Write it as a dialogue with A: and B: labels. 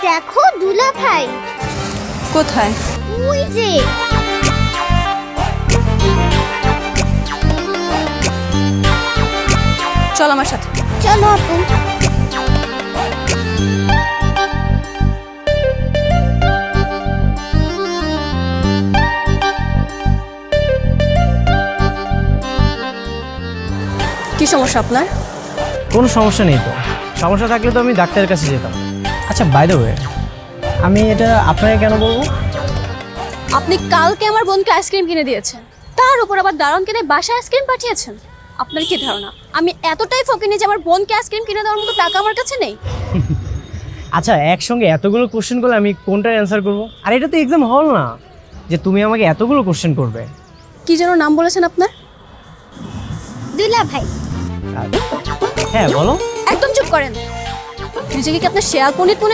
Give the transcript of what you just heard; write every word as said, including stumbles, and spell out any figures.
A: দেখো দুলা ভাই
B: কোথায়?
A: ওই যে
B: চল আমার সাথে।
A: চলো আপু।
B: কি সমস্যা আপনার?
C: কোনো সমস্যা নেই তো, সমস্যা থাকলে তো আমি ডাক্তারের কাছে যেতাম। আচ্ছা বাই দ্য ওয়ে, আমি এটা আপনাকে কেন বলবো?
B: আপনি কালকে আমার বোনকে আইসক্রিম কিনে দিয়েছেন, তার উপর আবার দারুণকে দিয়ে বাসায় আইসক্রিম পাঠিয়েছেন। আপনার কি ধারণা আমি এতটাই ফকিনি যে আমার বোনকে আইসক্রিম কিনে দেওয়ার মতো টাকা আমার কাছে নেই?
C: আচ্ছা একসঙ্গে এতগুলো কোশ্চেন করলে আমি কোনটার অ্যান্সার করবো? আর এটা তো এক্সাম হল না যে তুমি আমাকে এতগুলো কোশ্চেন করবে।
B: কি যেন নাম বলেছেন আপনার?
A: দুলা ভাই
C: আর- হ্যাঁ বলো।
B: একদম চুপ করেন। নিজেকে কি আপনার শেয়াল পণ্ডিত মনে